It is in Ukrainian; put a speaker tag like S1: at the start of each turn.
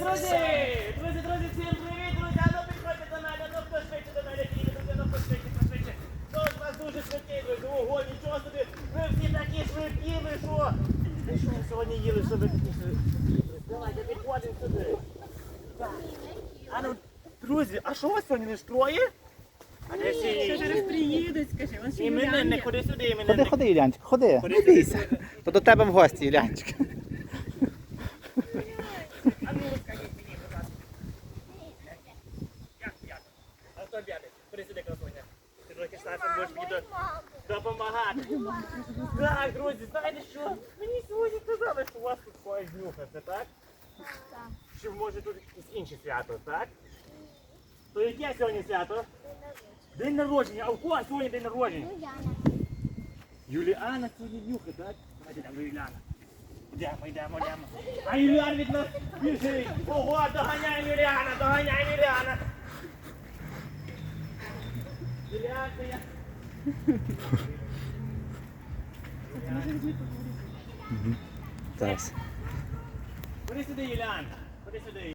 S1: Друзі, всім привіт, друзі, а ну підходьте до мене, ну хто швидше до мене піде, друзі, ну пошвидше. Хто з вас дуже швидкий, друзі, ого, нічого собі, ви всі такі швидкі, ви що? Ви що сьогодні їли, що ви такі швидкі? Давайте, підходимо сюди. Так. А ну, друзі, а що у вас сьогодні не троє? А де всі інші?
S2: Зараз приїдуть, скажи, он ще
S1: Іменинник, ходи сюди, іменинник.
S3: Ходи, Юлянчик, ходи. Не бійся. То до тебе в гості, Юлянчик.
S1: А ну розкажіть мені, будь ласка. Як? А хто б'яти? Ходи сюди, красуня. Ти трохи старшим будеш мені допомагати. Так, друзі, знаєте що? Мені сьогодні казали, що у вас тут когось нюхати, так?
S2: Так.
S1: Чи може тут якесь інше свято, так? То яке сьогодні свято? День народження. А у кого сьогодні день народження? Юліана сьогодні нюхає, так? Давайте йдемо до Юліана. Йдемо. А Юліан від нас біжить. Ого, доганяємо Юліана. Юліан, це я.
S3: Так.
S1: Ходи сюди, Юліан. Ходи сюди.